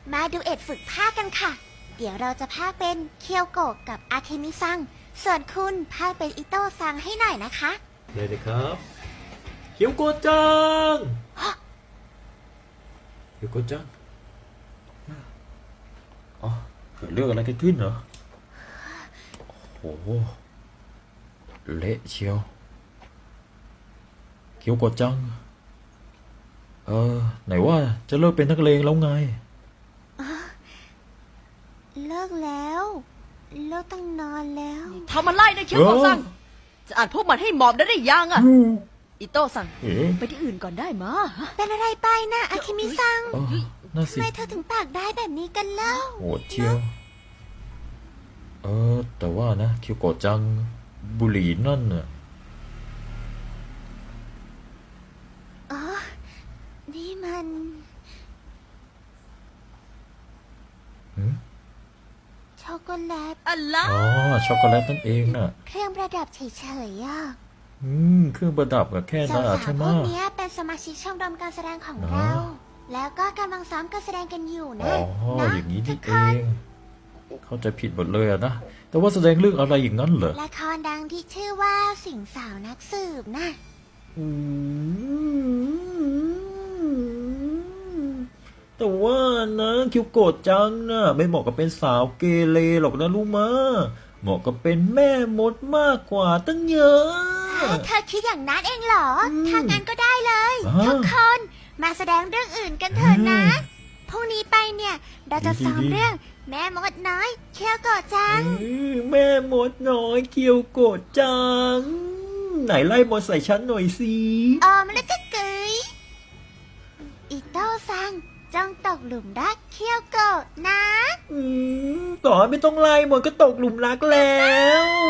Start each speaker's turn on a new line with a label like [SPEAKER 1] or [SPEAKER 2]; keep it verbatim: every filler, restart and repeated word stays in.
[SPEAKER 1] มาดูเอ็ดฝึกภาคกันค่ะ เดี๋ยวเราจะภาคเป็นเคียวโกะกับอาเคมิซัง ส่วนคุณภาคเป็นอิโต้ซังให้หน่อยนะคะ
[SPEAKER 2] เลยนะครับเคียวโกะจังเคียวโกะจังอ๋อเกิดเรื่องอะไรกันขึ้นเหรอโอ้โหเละเชียวเคียวโกะจังเออไหนว่าจะเลิกเป็นนักเลงแล้วไง
[SPEAKER 1] เลิกแล้ว เลิกตั้งนานแล้ว
[SPEAKER 3] ทำอะไรนะเคียวโกะซังจะอ่านพวกมันให้หมอบได้หรือยังอะอิโต้ซัง
[SPEAKER 2] เอ๋
[SPEAKER 3] ไปที่อื่นก่อนได้มะ
[SPEAKER 1] เป็นอะไรไปนะอาเคมิซัง
[SPEAKER 2] อ๋อน่า
[SPEAKER 1] ทำ
[SPEAKER 2] สิ
[SPEAKER 1] ไมเธอถึงปากได้แบบนี้กันเล่า
[SPEAKER 2] โหดเชียวเออแต่ว่านะเคียวโกะจังบุหรี่นั่นน่ะ
[SPEAKER 1] อ๋อ นี่มัน
[SPEAKER 2] หืม
[SPEAKER 1] ช็อกโกแลต
[SPEAKER 3] อะไร
[SPEAKER 2] อ๋อช็อกโกแลตนั่นเองน่ะ
[SPEAKER 1] เครื่องประดับเฉยๆอ่ะ
[SPEAKER 2] อืมเครื่องประดับกับแค่
[SPEAKER 1] สา
[SPEAKER 2] นั้น
[SPEAKER 1] ว
[SPEAKER 2] อะ
[SPEAKER 1] ๆ
[SPEAKER 2] ใช่ไห
[SPEAKER 1] พ
[SPEAKER 2] ม
[SPEAKER 1] วกเนี้ยเป็นสมาชิกชมรมการแสดงของ
[SPEAKER 2] อ๋อ
[SPEAKER 1] เรา แล้วก็กำลังซ้อมการแสดงกันอยู่
[SPEAKER 2] อ๋
[SPEAKER 1] นะ
[SPEAKER 2] อ
[SPEAKER 1] นะ
[SPEAKER 2] อย่างนี้
[SPEAKER 1] ทุ
[SPEAKER 2] นี่
[SPEAKER 1] ก
[SPEAKER 2] เอ
[SPEAKER 1] คน
[SPEAKER 2] ง เข้าใจผิดหมดเลยอะนะ แต่ว่าแสดงเรื่องอะไรอย่างนั้นเหรอ
[SPEAKER 1] ละครดังที่ชื่อว่าสิงสาวนักสืบนะ
[SPEAKER 2] อืมแต่ว่านะคิวโกะจังนะไม่เหมาะกับเป็นสาวเกเรหรอกนะรู้มะเหมาะกับเป็นแม่มดมากกว่าตั้งเยอะ
[SPEAKER 1] เธอคิดอย่างนั้นเองเหรอ
[SPEAKER 2] อืม
[SPEAKER 1] ถ้างั้นก็ได้เลย
[SPEAKER 2] อ่า
[SPEAKER 1] ทุกคนมาแสดงเรื่องอื่นกันเถอะนะ
[SPEAKER 2] อืม
[SPEAKER 1] พรุ่งนี้ไปเนี่ย เราจะ
[SPEAKER 2] ดีๆ
[SPEAKER 1] ซ้อมเรื่องแม่มดน้อยเคียวโกะจัง
[SPEAKER 2] เอ้ยแม่มดน้อยเกียวโกะจัง ไหนไล่มดใส่ฉันหน่อยสิ
[SPEAKER 1] ออมแล้วก็เกยอิโต้ซังจงตกหลุมรักเคียวโกะนะ
[SPEAKER 2] อืมต่อให้ไม่ต้องไล่มดก็ตกหลุมรักแล้ว